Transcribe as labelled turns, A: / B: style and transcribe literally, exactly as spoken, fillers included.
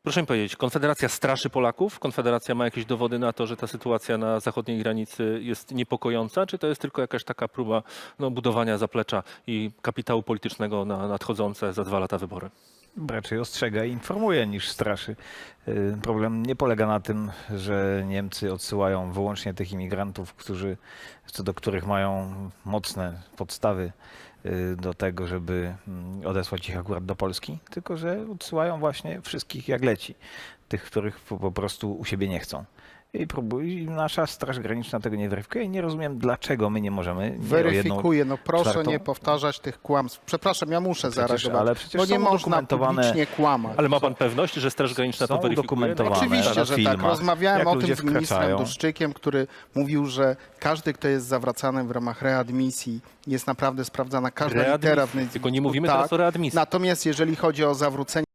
A: Proszę mi powiedzieć, Konfederacja straszy Polaków? Konfederacja ma jakieś dowody na to, że ta sytuacja na zachodniej granicy jest niepokojąca? Czy to jest tylko jakaś taka próba no, budowania zaplecza i kapitału politycznego na nadchodzące za dwa lata wybory?
B: Raczej ostrzega i informuje niż straszy. Problem nie polega na tym, że Niemcy odsyłają wyłącznie tych imigrantów, którzy, co do których mają mocne podstawy do tego, żeby odesłać ich akurat do Polski, tylko że odsyłają właśnie wszystkich jak leci, tych, których po prostu u siebie nie chcą. I, próbuj, I nasza Straż Graniczna tego nie weryfikuje i nie rozumiem, dlaczego my nie możemy. Nie
C: Weryfikuje, no proszę
B: czwartą...
C: nie powtarzać tych kłamstw. Przepraszam, ja muszę
B: przecież,
C: zareagować,
B: ale przecież
C: bo nie można
B: udokumentowane...
C: publicznie kłamać.
A: Ale ma pan pewność, że Straż Graniczna
B: Są
A: to weryfikuje?
B: udokumentowane
C: Oczywiście,
B: na
C: że
B: filmach,
C: tak. Rozmawiałem
B: jak
C: o tym
B: ludzie
C: z ministrem
B: wkraczają.
C: Duszczykiem, który mówił, że każdy, kto jest zawracany w ramach readmisji, jest naprawdę sprawdzana każda
A: Readmisji.
C: litera w
A: Tylko nie mówimy
C: tak.
A: teraz o readmisji.
C: Natomiast jeżeli chodzi o zawrócenie